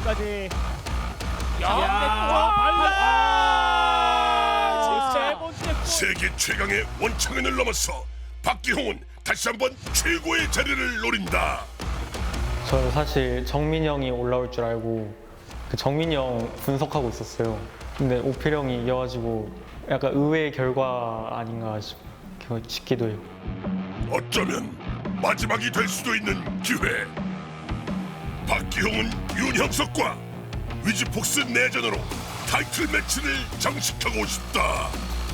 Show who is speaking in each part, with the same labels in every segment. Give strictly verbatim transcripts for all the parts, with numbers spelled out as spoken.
Speaker 1: 여기까지.
Speaker 2: 야,
Speaker 1: 야, 발라. 세 번째 골.
Speaker 3: 세계 최강의 원창현을 넘어서 박기홍은 다시 한번 최고의 자리를 노린다.
Speaker 4: 저는 사실 정민이 형이 올라올 줄 알고 그 정민이 형 분석하고 있었어요. 근데 오필 형이 이겨가지고 약간 의외의 결과 아닌가 싶, 싶기도 해요.
Speaker 3: 어쩌면 마지막이 될 수도 있는 기회. 박기홍은 윤형석과 위즈폭스 내전으로 타이틀 매치를 장식하고 싶다.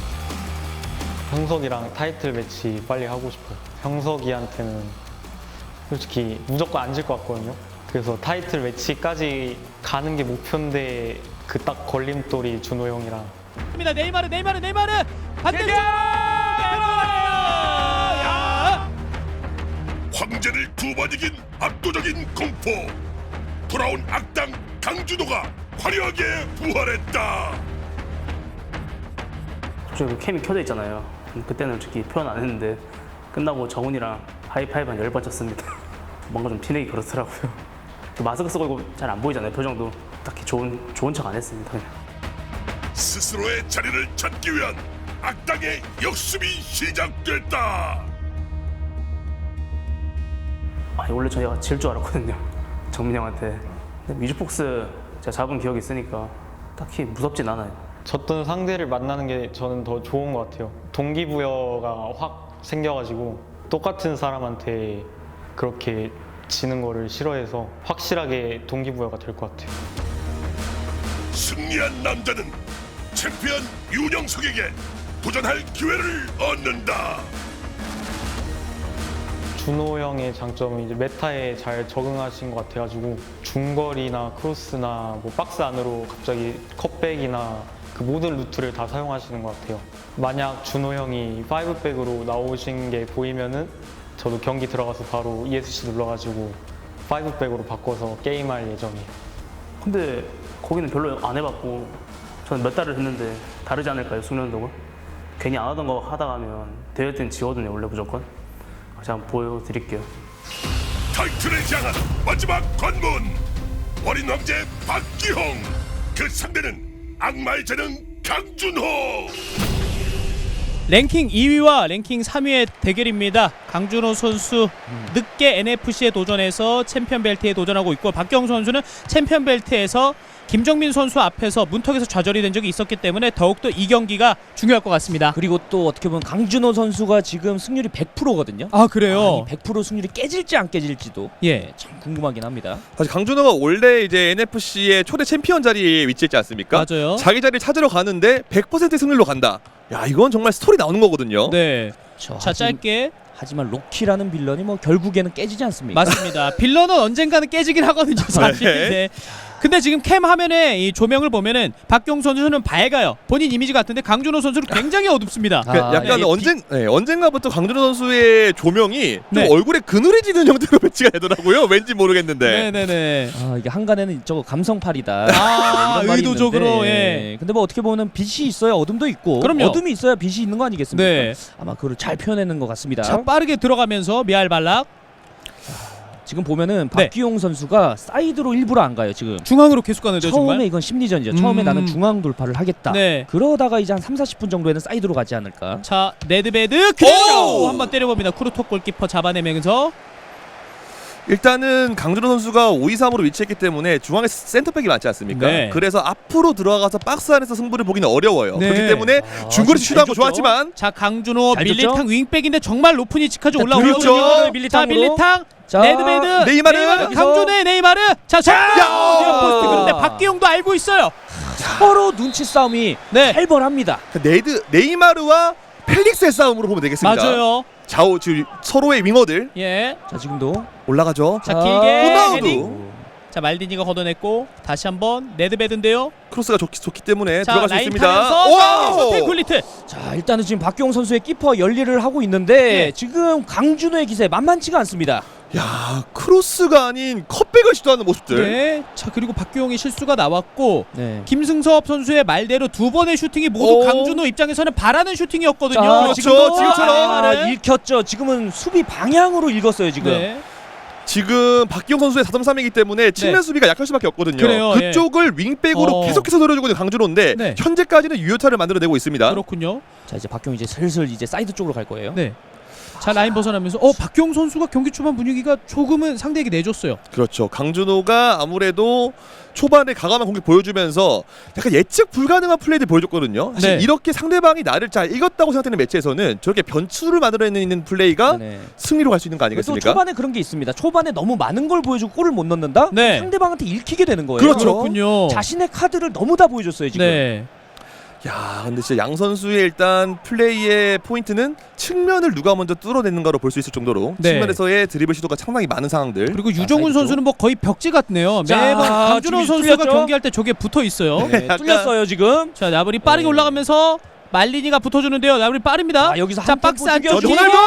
Speaker 4: 형석이랑 타이틀 매치 빨리 하고 싶어요. 형석이한테는 솔직히 무조건 안 질 것 같거든요. 그래서 타이틀 매치까지 가는 게 목표인데 그 딱 걸림돌이 준호 형이랑.
Speaker 1: 입니다. 네이마르, 네이마르, 네이마르 반대쪽. 야!
Speaker 3: 황제를 두 번 이긴 압도적인 공포. 돌아온 악당 강준호가 화려하게 부활했다.
Speaker 2: 갑자기 캠이 켜져 있잖아요. 그때는 솔직히 표현 안 했는데 끝나고 정훈이랑 하이파이브 한 열 번 쳤습니다. 뭔가 좀 티내기 그렇더라고요. 또 마스크 쓰고 잘 안 보이잖아요. 표정도 딱히 좋은 좋은 척 안 했습니다. 그냥.
Speaker 3: 스스로의 자리를 찾기 위한 악당의 역습이 시작됐다.
Speaker 2: 아니 원래 저희가 질 줄 알았거든요. 정민 형한테. 근데 위즈폭스 제가 잡은 기억이 있으니까 딱히 무섭진 않아요.
Speaker 4: 졌던 상대를 만나는 게 저는 더 좋은 것 같아요. 동기부여가 확 생겨가지고 똑같은 사람한테 그렇게 지는 거를 싫어해서 확실하게 동기부여가 될 것 같아요.
Speaker 3: 승리한 남자는 챔피언 윤영석에게 도전할 기회를 얻는다.
Speaker 4: 준호 형의 장점은 이제 메타에 잘 적응하신 것 같아가지고 중거리나 크로스나 뭐 박스 안으로 갑자기 컷백이나 그 모든 루트를 다 사용하시는 것 같아요. 만약 준호 형이 파이브백으로 나오신 게 보이면은 저도 경기 들어가서 바로 이에스씨 눌러가지고 파이브백으로 바꿔서 게임할 예정이에요.
Speaker 2: 근데 거기는 별로 안 해봤고 저는 몇 달을 했는데 다르지 않을까요? 숙련도가? 괜히 안 하던 거 하다가 하면 대회 때는 지거든요. 원래 무조건. 제가 한번 보여드릴게요.
Speaker 3: 타이틀을 향한 마지막 관문. 어린 황제 박기홍. 그 상대는 악마의 재능 강준호.
Speaker 1: 랭킹 이 위와 랭킹 삼 위의 대결입니다. 강준호 선수 늦게 엔에프씨에 도전해서 챔피언 벨트에 도전하고 있고, 박기홍 선수는 챔피언 벨트에서 김정민 선수 앞에서 문턱에서 좌절이 된 적이 있었기 때문에 더욱더 이 경기가 중요할 것 같습니다.
Speaker 5: 그리고 또 어떻게 보면 강준호 선수가 지금 승률이 백 퍼센트거든요.
Speaker 1: 아 그래요?
Speaker 5: 아, 이 백 퍼센트 승률이 깨질지 안 깨질지도
Speaker 1: 예.
Speaker 5: 참 궁금하긴 합니다.
Speaker 6: 사실 강준호가 원래 이제 엔에프씨의 초대 챔피언 자리에 위치했지 않습니까?
Speaker 1: 맞아요.
Speaker 6: 자기 자리를 찾으러 가는데 백 퍼센트 승률로 간다. 야, 이건 정말 스토리 나오는 거거든요.
Speaker 1: 네.
Speaker 5: 저,
Speaker 1: 자
Speaker 5: 하지,
Speaker 1: 짧게.
Speaker 5: 하지만 로키라는 빌런이 뭐 결국에는 깨지지 않습니까?
Speaker 1: 맞습니다. 빌런은 언젠가는 깨지긴 하거든요, 사실.
Speaker 6: 네.
Speaker 1: 네. 근데 지금 캠 화면에 이 조명을 보면은 박기홍 선수는 밝아요. 본인 이미지 같은데 강준호 선수는 굉장히 어둡습니다.
Speaker 5: 아,
Speaker 6: 그 약간
Speaker 1: 네.
Speaker 6: 언젠 네, 언젠가부터 강준호 선수의 조명이 좀
Speaker 1: 네.
Speaker 6: 얼굴에 그늘해지는 형태로 배치가 되더라고요. 왠지 모르겠는데.
Speaker 1: 네네네.
Speaker 5: 아, 이게 한간에는 저거 감성팔이다.
Speaker 1: 아,
Speaker 5: 이런 말이
Speaker 1: 의도적으로,
Speaker 5: 있는데,
Speaker 1: 예.
Speaker 5: 근데 뭐 어떻게 보면 빛이 있어야 어둠도 있고,
Speaker 1: 그럼요.
Speaker 5: 어둠이 있어야 빛이 있는 거 아니겠습니까?
Speaker 1: 네.
Speaker 5: 아마 그걸 잘 표현해낸 것 같습니다.
Speaker 1: 자 빠르게 들어가면서 미알 발락
Speaker 5: 지금 보면은
Speaker 1: 네.
Speaker 5: 박기용 선수가 사이드로 일부러 안 가요. 지금
Speaker 1: 중앙으로 계속 가는데요,
Speaker 5: 처음에
Speaker 1: 정말.
Speaker 5: 이건 심리전이죠. 처음에
Speaker 1: 음.
Speaker 5: 나는 중앙 돌파를 하겠다.
Speaker 1: 네.
Speaker 5: 그러다가 이제 한 삼, 사십 분 정도에는 사이드로 가지 않을까.
Speaker 1: 자 레드베드 그대로
Speaker 6: 오!
Speaker 1: 한번 때려봅니다. 쿠르토 골키퍼 잡아내면서.
Speaker 6: 일단은 강준호 선수가 오 이 삼으로 위치했기 때문에 중앙에 센터백이 많지 않습니까?
Speaker 1: 네.
Speaker 6: 그래서 앞으로 들어가서 박스 안에서 승부를 보기는 어려워요.
Speaker 1: 네.
Speaker 6: 그렇기 때문에
Speaker 5: 아,
Speaker 6: 중거리
Speaker 5: 지금
Speaker 6: 슈트한 거
Speaker 5: 잘 줬죠?
Speaker 6: 좋았지만
Speaker 1: 자 강준호
Speaker 5: 잘
Speaker 1: 밀리탕
Speaker 5: 줬죠?
Speaker 1: 윙백인데 정말 높은 위치까지
Speaker 5: 자,
Speaker 1: 올라오거든요.
Speaker 6: 그렇죠.
Speaker 1: 자
Speaker 5: 밀리탕으로.
Speaker 1: 밀리탕
Speaker 5: 자,
Speaker 1: 레드베드
Speaker 6: 네이마르.
Speaker 1: 강준호의 네이마르. 자 정면
Speaker 6: 야!
Speaker 1: 포스트. 그런데 박기용도 알고 있어요.
Speaker 5: 서로 눈치 싸움이
Speaker 1: 네
Speaker 5: 살벌합니다.
Speaker 6: 네드 네이마르와 펠릭스의 싸움으로 보면 되겠습니다.
Speaker 1: 맞아요.
Speaker 6: 좌우 지금 서로의 윙어들
Speaker 1: 예.
Speaker 5: 자 지금도
Speaker 6: 올라가죠.
Speaker 1: 자
Speaker 5: 아,
Speaker 1: 길게
Speaker 6: 호나우두.
Speaker 1: 헤딩. 자 말디니가 걷어냈고 다시 한번 레드베드인데요.
Speaker 6: 크로스가 좋기, 좋기 때문에
Speaker 1: 자
Speaker 6: 들어갈 수
Speaker 1: 라인
Speaker 6: 있습니다.
Speaker 1: 타면서
Speaker 6: 와우!
Speaker 1: 슈팅 굴리트.
Speaker 5: 자 일단은 지금 박기용 선수의 키퍼 열일을 하고 있는데
Speaker 1: 네.
Speaker 5: 지금 강준호의 기세 만만치가 않습니다.
Speaker 6: 야, 크로스가 아닌 컵백을 시도하는 모습들.
Speaker 1: 네. 자 그리고 박기용의 실수가 나왔고
Speaker 5: 네.
Speaker 1: 김승섭 선수의 말대로 두 번의 슈팅이 모두
Speaker 6: 오.
Speaker 1: 강준호 입장에서는 바라는 슈팅이었거든요.
Speaker 5: 자,
Speaker 6: 그렇죠.
Speaker 1: 지금도
Speaker 6: 지금처럼.
Speaker 5: 아,
Speaker 1: 아, 네.
Speaker 5: 읽혔죠. 지금은 수비 방향으로 읽었어요 지금.
Speaker 1: 네.
Speaker 6: 지금 박기용 선수의 사 점 삼이기 때문에 측면
Speaker 1: 네.
Speaker 6: 수비가 약할 수밖에 없거든요.
Speaker 1: 그래요,
Speaker 6: 그쪽을 윙백으로
Speaker 1: 어.
Speaker 6: 계속해서 노려주고 있는 강준호인데
Speaker 1: 네.
Speaker 6: 현재까지는 유효타를 만들어내고 있습니다.
Speaker 1: 그렇군요.
Speaker 5: 자 이제 박경 이제 슬슬 이제 사이드 쪽으로 갈 거예요.
Speaker 1: 네. 자 라인 벗어나면서 어 박경 선수가 경기 초반 분위기가 조금은 상대에게 내줬어요.
Speaker 6: 그렇죠. 강준호가 아무래도 초반에 과감한 공격 보여주면서 약간 예측 불가능한 플레이를 보여줬거든요. 사실
Speaker 1: 네.
Speaker 6: 이렇게 상대방이 나를 잘 읽었다고 생각되는 매치에서는 저렇게 변수를 만들어내는 플레이가
Speaker 5: 네.
Speaker 6: 승리로 갈 수 있는 거
Speaker 5: 또
Speaker 6: 아니겠습니까?
Speaker 5: 초반에 그런 게 있습니다. 초반에 너무 많은 걸 보여주고 골을 못 넣는다?
Speaker 1: 네.
Speaker 5: 상대방한테 읽히게 되는 거예요.
Speaker 6: 그렇죠.
Speaker 1: 그렇군요.
Speaker 5: 자신의 카드를 너무 다 보여줬어요 지금.
Speaker 1: 네.
Speaker 6: 야, 근데 진짜 양 선수의 일단 플레이의 포인트는 측면을 누가 먼저 뚫어내는가로 볼 수 있을 정도로
Speaker 1: 네.
Speaker 6: 측면에서의 드리블 시도가 상당히 많은 상황들.
Speaker 1: 그리고 유정훈
Speaker 5: 사이드
Speaker 1: 선수는 뭐 거의 벽지 같네요.
Speaker 5: 자,
Speaker 1: 매번 강준호
Speaker 5: 준비
Speaker 1: 선수가
Speaker 5: 뚫렸죠?
Speaker 1: 경기할 때 저게 붙어 있어요.
Speaker 5: 네,
Speaker 6: 약간-
Speaker 5: 뚫렸어요 지금.
Speaker 1: 자 나블이 빠르게
Speaker 5: 네.
Speaker 1: 올라가면서 말리니가 붙어주는데요. 나블이 빠릅니다.
Speaker 5: 아, 여기서
Speaker 1: 자
Speaker 5: 한
Speaker 1: 박스
Speaker 5: 템포
Speaker 1: 안쪽
Speaker 5: 죽여주고.
Speaker 6: 호날두!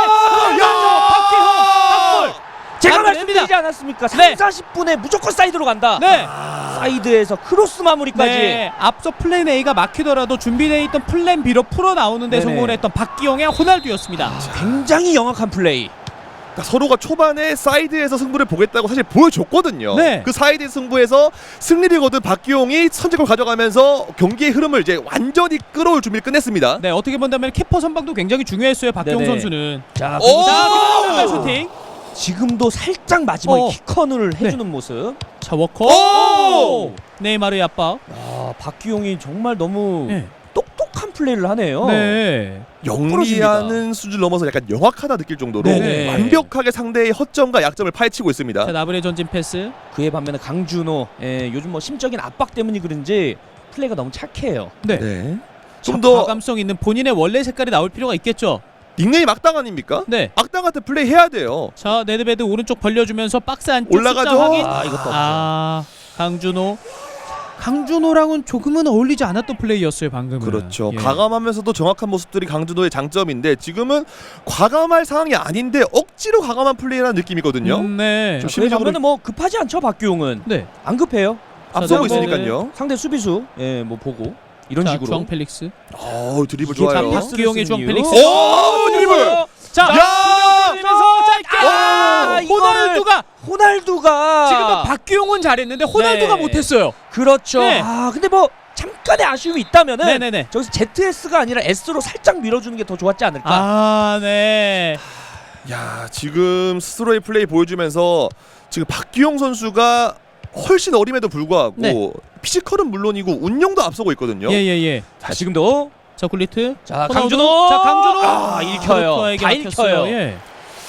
Speaker 1: 박기홍
Speaker 5: 제가
Speaker 1: 마무리됩니다.
Speaker 5: 말씀드리지 않았습니까? 삼,
Speaker 1: 네.
Speaker 5: 사십 분에 무조건 사이드로 간다.
Speaker 1: 네.
Speaker 5: 사이드에서 크로스 마무리까지.
Speaker 1: 네. 앞서 플랜 A가 막히더라도 준비되어 있던 플랜 B로 풀어 나오는데
Speaker 5: 네네.
Speaker 1: 성공을 했던 박기용의 호날두였습니다.
Speaker 5: 굉장히 영악한 플레이.
Speaker 6: 그러니까 서로가 초반에 사이드에서 승부를 보겠다고 사실 보여줬거든요.
Speaker 1: 네.
Speaker 6: 그 사이드 승부에서 승리를 거둔 박기용이 선제골 가져가면서 경기의 흐름을 이제 완전히 끌어올 준비를 끝냈습니다.
Speaker 1: 네, 어떻게 본다면 키퍼 선방도 굉장히 중요했어요. 박기용
Speaker 5: 네네.
Speaker 1: 선수는.
Speaker 5: 자,
Speaker 6: 오!
Speaker 1: 자,
Speaker 5: 그리고
Speaker 1: 그리고 슈팅.
Speaker 5: 지금도 살짝 마지막에
Speaker 1: 어.
Speaker 5: 킥컨을 해주는 모습.
Speaker 1: 자, 워커.
Speaker 6: 오!
Speaker 1: 네이마르의 압박.
Speaker 5: 아, 박기용이 정말 너무
Speaker 1: 네.
Speaker 5: 똑똑한 플레이를 하네요.
Speaker 1: 네.
Speaker 6: 영리하는 수준을 넘어서 약간 영악하다 느낄 정도로
Speaker 5: 네네.
Speaker 6: 완벽하게 상대의 허점과 약점을 파헤치고 있습니다.
Speaker 1: 자, 나블의 전진 패스.
Speaker 5: 그에 반면에 강준호, 예, 요즘 뭐 심적인 압박 때문이 그런지 플레이가 너무 착해요.
Speaker 1: 네.
Speaker 6: 네.
Speaker 1: 자,
Speaker 6: 좀 더
Speaker 1: 과감성 있는 본인의 원래 색깔이 나올 필요가 있겠죠.
Speaker 6: 닉네임 악당 아닙니까?
Speaker 1: 네.
Speaker 6: 악당 같은 플레이 해야 돼요.
Speaker 1: 자, 네드베드 오른쪽 벌려주면서 박스 안쪽
Speaker 6: 올라가죠.
Speaker 1: 숫자 확인.
Speaker 5: 아, 이것도 없죠.
Speaker 1: 아, 강준호. 강준호랑은 조금은 어울리지 않았던 플레이였어요 방금은.
Speaker 6: 그렇죠.
Speaker 1: 예.
Speaker 6: 과감하면서도 정확한 모습들이 강준호의 장점인데 지금은 과감할 상황이 아닌데 억지로 과감한 플레이라는 느낌이거든요.
Speaker 1: 음, 네.
Speaker 6: 좀
Speaker 5: 그에
Speaker 6: 심리적으로
Speaker 5: 반면에 뭐 급하지 않죠 박기용은.
Speaker 1: 네.
Speaker 5: 안 급해요.
Speaker 6: 앞서고
Speaker 1: 자,
Speaker 6: 있으니까요.
Speaker 5: 상대 수비수, 예, 뭐 보고 이런
Speaker 1: 자,
Speaker 5: 식으로.
Speaker 1: 주앙 펠릭스.
Speaker 6: 어, 드리블
Speaker 5: 이게
Speaker 6: 좋아요.
Speaker 1: 자, 박기용의 주앙 펠릭스.
Speaker 6: 오, 드리블!
Speaker 1: 자,
Speaker 6: 야!
Speaker 1: 들면서 짧게.
Speaker 5: 아, 이거를-
Speaker 1: 호날두가
Speaker 5: 호날두가
Speaker 1: 지금은 박기용은 잘했는데 호날두가
Speaker 5: 네.
Speaker 1: 못했어요.
Speaker 5: 그렇죠.
Speaker 1: 네.
Speaker 5: 아 근데 뭐 잠깐의 아쉬움이 있다면은
Speaker 1: 네네네.
Speaker 5: 저기서 제트에스가 아니라 S로 살짝 밀어주는 게 더 좋았지 않을까.
Speaker 1: 아, 네.
Speaker 6: 야, 지금 스스로의 플레이 보여주면서 지금 박기용 선수가 훨씬 어림에도 불구하고
Speaker 1: 네.
Speaker 6: 피지컬은 물론이고 운영도 앞서고 있거든요.
Speaker 1: 예예예.
Speaker 5: 자 지금도
Speaker 1: 자, 굴리트.
Speaker 5: 자
Speaker 1: 호날두.
Speaker 5: 강준호.
Speaker 1: 자, 강준호.
Speaker 5: 아 읽혀요.
Speaker 1: 코르투아에게
Speaker 5: 다
Speaker 1: 막혔어요.
Speaker 5: 읽혀요.
Speaker 1: 예.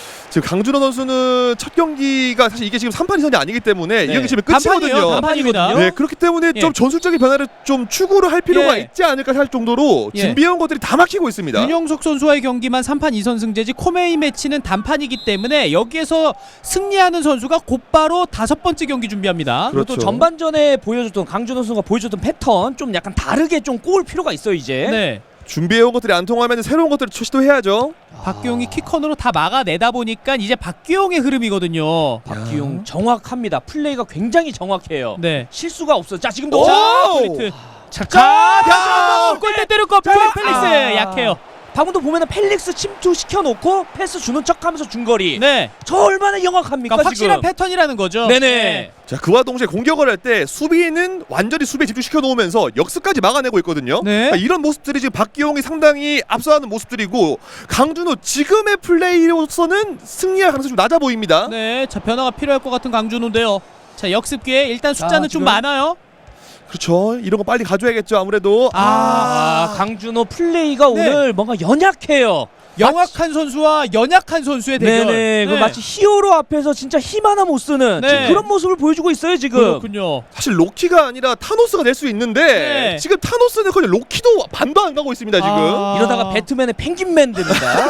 Speaker 6: 지금 강준호 선수는 첫 경기가 사실 이게 지금 삼 판 이선이 아니기 때문에 이
Speaker 5: 네.
Speaker 6: 경기 지금
Speaker 1: 단판이에요,
Speaker 6: 끝이거든요.
Speaker 1: 단판입니다.
Speaker 6: 네, 그렇기 때문에
Speaker 1: 예.
Speaker 6: 좀 전술적인 변화를 좀 추구를 할 필요가
Speaker 1: 예.
Speaker 6: 있지 않을까 할 정도로
Speaker 1: 예.
Speaker 6: 준비해온 것들이 다 막히고 있습니다.
Speaker 1: 윤영석 선수와의 경기만 삼 판 이 선 승제지 코메이 매치는 단판이기 때문에 여기에서 승리하는 선수가 곧바로 다섯 번째 경기 준비합니다.
Speaker 5: 그리고 또
Speaker 6: 그렇죠.
Speaker 5: 전반전에 보여줬던 강준호 선수가 보여줬던 패턴 좀 약간 다르게 좀 꼬을 필요가 있어요 이제.
Speaker 1: 네.
Speaker 6: 준비해온 것들이 안 통하면 새로운 것들을 시도해야죠.
Speaker 1: 박기용이 키컨으로 다 막아내다 보니까 이제 박기용의 흐름이거든요.
Speaker 5: 박기용 정확합니다. 플레이가 굉장히 정확해요.
Speaker 1: 네.
Speaker 5: 실수가 없어. 자 지금도.
Speaker 1: 자,
Speaker 6: 오!
Speaker 1: 굴리트. 자,
Speaker 6: 자,
Speaker 1: 다시 한번 골대 때렸고
Speaker 5: 자,
Speaker 1: 펠릭스
Speaker 5: 아.
Speaker 1: 약해요.
Speaker 5: 방금도 보면은 펠릭스 침투 시켜놓고 패스 주는 척하면서 중거리.
Speaker 1: 네.
Speaker 5: 저 얼마나 영악합니까
Speaker 1: 그러니까 확실한
Speaker 5: 지금.
Speaker 1: 패턴이라는 거죠.
Speaker 5: 네네.
Speaker 6: 자, 그와 동시에 공격을 할 때 수비는 완전히 수비에 집중시켜 놓으면서 역습까지 막아내고 있거든요.
Speaker 1: 네.
Speaker 6: 그러니까 이런 모습들이 지금 박기용이 상당히 앞서가는 모습들이고 강준호 지금의 플레이로서는 승리할 가능성이 좀 낮아 보입니다.
Speaker 1: 네. 자, 변화가 필요할 것 같은 강준호인데요. 자, 역습 기회 일단 숫자는
Speaker 5: 자,
Speaker 1: 좀
Speaker 5: 지금-
Speaker 1: 많아요.
Speaker 6: 그렇죠. 이런 거 빨리 가져야겠죠. 아무래도
Speaker 5: 아, 강준호 플레이가
Speaker 1: 네.
Speaker 5: 오늘 뭔가 연약해요.
Speaker 1: 영악한 선수와 연약한 선수의 대결.
Speaker 5: 네네. 그 마치 히어로 앞에서 진짜 힘 하나 못 쓰는
Speaker 1: 네.
Speaker 5: 지금 그런 모습을 보여주고 있어요 지금.
Speaker 1: 그렇군요.
Speaker 6: 사실 로키가 아니라 타노스가 될 수 있는데
Speaker 1: 네.
Speaker 6: 지금 타노스는 거의 로키도 반도 안 가고 있습니다. 지금.
Speaker 1: 아.
Speaker 5: 이러다가 배트맨의 펭귄맨 됩니다.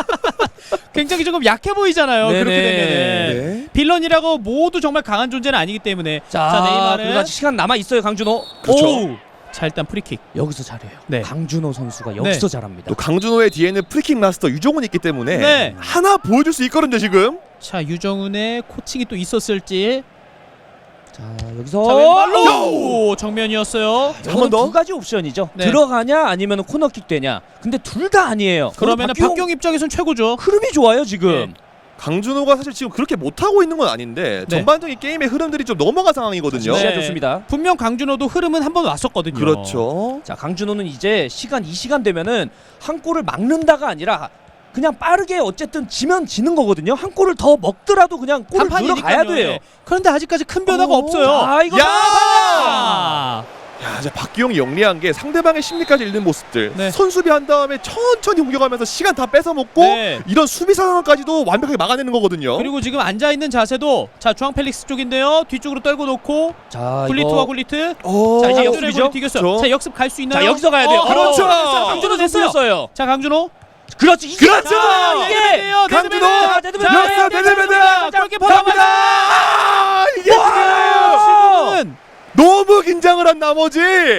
Speaker 1: 굉장히 조금 약해 보이잖아요.
Speaker 5: 네네.
Speaker 1: 그렇게 되면은
Speaker 6: 네.
Speaker 1: 빌런이라고 모두 정말 강한 존재는 아니기 때문에.
Speaker 5: 자,
Speaker 1: 자, 네이마르.
Speaker 5: 그래도 아직 시간 남아 있어요 강준호.
Speaker 6: 그렇죠.
Speaker 5: 오우.
Speaker 1: 자, 일단 프리킥.
Speaker 5: 여기서 잘해요.
Speaker 1: 네.
Speaker 5: 강준호 선수가 여기서
Speaker 1: 네.
Speaker 5: 잘합니다.
Speaker 6: 또 강준호의 뒤에는 프리킥 마스터 유종훈이 있기 때문에
Speaker 1: 네.
Speaker 6: 하나 보여줄 수 있거든요. 지금.
Speaker 1: 자, 유정훈의 코칭이 또 있었을지.
Speaker 5: 자 여기서
Speaker 1: 자, 왼발로 정면이었어요.
Speaker 6: 한 번 더.
Speaker 5: 두 가지 옵션이죠.
Speaker 1: 네.
Speaker 5: 들어가냐 아니면 코너킥 되냐. 근데 둘 다 아니에요.
Speaker 1: 그러면은
Speaker 5: 박기용
Speaker 1: 박경 입장에선 최고죠.
Speaker 5: 흐름이 좋아요 지금.
Speaker 1: 네.
Speaker 6: 강준호가 사실 지금 그렇게 못하고 있는 건 아닌데
Speaker 1: 네.
Speaker 6: 전반적인 게임의 흐름들이 좀 넘어간 상황이거든요.
Speaker 5: 네. 좋습니다.
Speaker 1: 분명 강준호도 흐름은 한 번 왔었거든요.
Speaker 6: 그렇죠.
Speaker 5: 자, 강준호는 이제 시간 이 시간 되면은 한 골을 막는다가 아니라 그냥 빠르게 어쨌든 지면 지는 거거든요. 한 골을 더 먹더라도 그냥 골을
Speaker 1: 단판이니까요.
Speaker 5: 들어가야 돼요.
Speaker 1: 네. 그런데 아직까지 큰 변화가
Speaker 6: 어.
Speaker 1: 없어요.
Speaker 5: 아, 이거
Speaker 6: 야!
Speaker 1: 아,
Speaker 6: 야, 이제 박기용이 영리한 게 상대방의 심리까지 읽는 모습들.
Speaker 1: 네.
Speaker 6: 선수비 한 다음에 천천히 공격하면서 시간 다 뺏어 먹고
Speaker 1: 네.
Speaker 6: 이런 수비 상황까지도 완벽하게 막아내는 거거든요.
Speaker 1: 그리고 지금 앉아 있는 자세도 자 중앙 펠릭스 쪽인데요. 뒤쪽으로 떨고 놓고
Speaker 5: 자,
Speaker 1: 굴리트와
Speaker 5: 이거
Speaker 1: 굴리트.
Speaker 6: 어.
Speaker 1: 자 이제
Speaker 5: 역습이죠?
Speaker 1: 역습이죠. 튀겼어요.
Speaker 6: 그렇죠.
Speaker 1: 자 역습 갈 수 있나요?
Speaker 5: 자, 여기서 가야 돼요.
Speaker 1: 어,
Speaker 6: 그렇죠.
Speaker 1: 어, 강준호
Speaker 5: 강준호
Speaker 1: 됐어요.
Speaker 5: 됐어요.
Speaker 1: 자 강준호.
Speaker 5: 그렇지. 이게
Speaker 6: 그렇죠.
Speaker 1: 자,
Speaker 5: 이게
Speaker 1: 네드베드예요,
Speaker 6: 강준호!
Speaker 1: 네드베드.
Speaker 5: 네드베드!
Speaker 1: 자,
Speaker 6: 네드베드!
Speaker 1: 네드베드!
Speaker 6: 네드베드!
Speaker 1: 골키퍼
Speaker 6: 갑니다.
Speaker 1: 나갑니다.
Speaker 6: 아, 이게 지금
Speaker 1: 지금은
Speaker 6: 너무 긴장을 한 나머지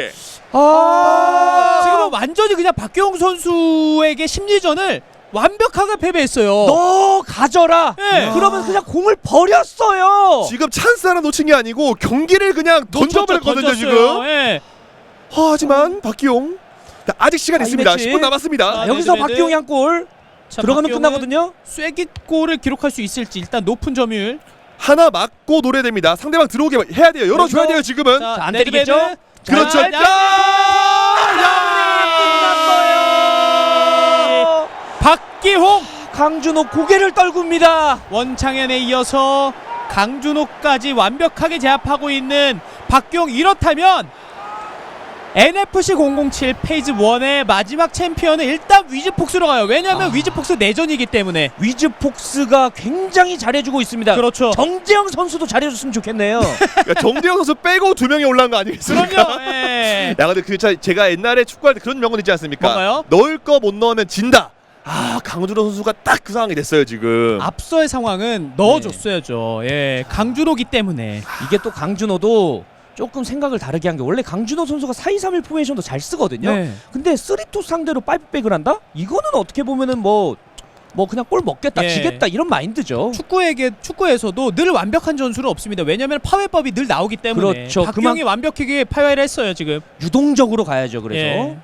Speaker 5: 아,
Speaker 1: 지금은 완전히 그냥 박기용 선수에게 심리전을 완벽하게 패배했어요.
Speaker 5: 너 가져라.
Speaker 1: 네.
Speaker 5: 그러면 그냥 공을 버렸어요.
Speaker 6: 지금 찬스 하나 놓친 게 아니고 경기를 그냥 던져버렸거든요
Speaker 1: 던졌어요.
Speaker 6: 지금.
Speaker 1: 예.
Speaker 6: 하, 하지만 박기용 자, 아직 시간
Speaker 5: 아,
Speaker 6: 있습니다.
Speaker 5: 이매치.
Speaker 6: 십 분 남았습니다.
Speaker 1: 아,
Speaker 5: 여기서
Speaker 1: 네드베드.
Speaker 5: 박기용이 한 골
Speaker 1: 자,
Speaker 5: 들어가면
Speaker 1: 박기용은
Speaker 5: 끝나거든요.
Speaker 1: 쐐기골을 기록할 수 있을지 일단 높은 점유율.
Speaker 6: 하나 맞고 노려됩니다. 상대방 들어오게 해야 돼요. 열어줘야 돼요 지금은.
Speaker 1: 자,
Speaker 5: 안
Speaker 1: 네드베드.
Speaker 5: 때리겠죠?
Speaker 1: 자,
Speaker 6: 그렇죠.
Speaker 1: 자,
Speaker 6: 야!
Speaker 5: 끝났어요.
Speaker 1: 박기홍
Speaker 5: 강준호 고개를 떨굽니다.
Speaker 1: 원창현에 이어서 강준호까지 완벽하게 제압하고 있는 박기용. 이렇다면 엔에프씨 공공칠 페이즈 일의 마지막 챔피언은 일단 위즈폭스로 가요. 왜냐하면
Speaker 5: 아.
Speaker 1: 위즈폭스 내전이기 때문에.
Speaker 5: 위즈폭스가 굉장히 잘해주고 있습니다.
Speaker 1: 그렇죠.
Speaker 5: 정재영 선수도 잘해줬으면 좋겠네요.
Speaker 6: 그러니까 정대영 선수 빼고 두 명이 올라온 거 아니겠습니까?
Speaker 1: 그럼요. 예.
Speaker 6: 야 근데 그 차- 제가 옛날에 축구할 때 그런 명언 있지 않습니까?
Speaker 1: 뭔가요?
Speaker 6: 넣을 거 못 넣으면 진다. 아 강준호 선수가 딱 그 상황이 됐어요 지금.
Speaker 1: 앞서의 상황은 넣어줬어야죠. 예, 강준호기 때문에.
Speaker 5: 이게 또 강준호도 조금 생각을 다르게 한 게 원래 강준호 선수가 사 이 삼 일 포메이션도 잘 쓰거든요.
Speaker 1: 네.
Speaker 5: 근데 쓰리 투 상대로 파이브백을 한다? 이거는 어떻게 보면은 뭐, 뭐 그냥 골 먹겠다,
Speaker 1: 예.
Speaker 5: 지겠다 이런 마인드죠.
Speaker 1: 축구에게 축구에서도 늘 완벽한 전술은 없습니다. 왜냐하면 파괴법이 늘 나오기 때문에.
Speaker 5: 그렇죠.
Speaker 1: 박기용이
Speaker 5: 그만-
Speaker 1: 완벽하게 파괴를 했어요 지금.
Speaker 5: 유동적으로 가야죠. 그래서
Speaker 1: 예.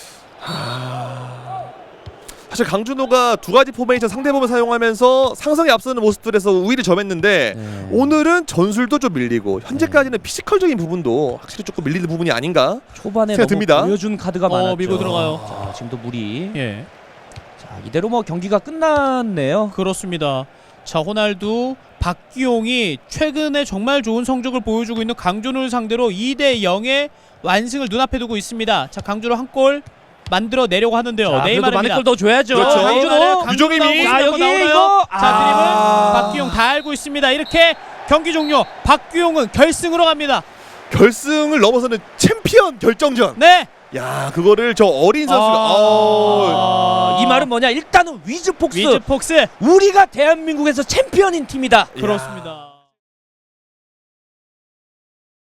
Speaker 6: 사실 강준호가 두 가지 포메이션 상대범을 사용하면서 상성에 앞서는 모습들에서 우위를 점했는데
Speaker 5: 네.
Speaker 6: 오늘은 전술도 좀 밀리고 현재까지는 피지컬적인 부분도 확실히 조금 밀리는 부분이 아닌가.
Speaker 5: 초반에
Speaker 6: 생각
Speaker 5: 너무
Speaker 6: 듭니다.
Speaker 5: 보여준 카드가
Speaker 1: 어,
Speaker 5: 많았죠.
Speaker 1: 밀고 들어가요.
Speaker 5: 자, 지금도 무리.
Speaker 1: 예,
Speaker 5: 자, 이대로 뭐 경기가 끝났네요.
Speaker 1: 그렇습니다. 자, 호날두, 박기용이 최근에 정말 좋은 성적을 보여주고 있는 강준호를 상대로 이 대 영의 완승을 눈앞에 두고 있습니다. 자, 강준호 한 골 만들어 내려고 하는데요.
Speaker 5: 자, 그래도 많은
Speaker 1: 네이마르입니다.
Speaker 5: 골 더 줘야죠.
Speaker 6: 그렇죠.
Speaker 5: 강준호.
Speaker 6: 유종임이.
Speaker 1: 자, 여기
Speaker 5: 이거.
Speaker 1: 이거 자,
Speaker 5: 아.
Speaker 1: 드림은 박기용 다 알고 있습니다. 이렇게 경기 종료. 박기용은 결승으로 갑니다.
Speaker 6: 결승을 넘어서는 챔피언 결정전.
Speaker 1: 네.
Speaker 6: 야 그거를 저 어린 선수가.
Speaker 1: 아.
Speaker 6: 어.
Speaker 5: 아, 이 말은 뭐냐? 일단은 위즈폭스.
Speaker 1: 위즈폭스.
Speaker 5: 우리가 대한민국에서 챔피언인 팀이다.
Speaker 1: 그렇습니다.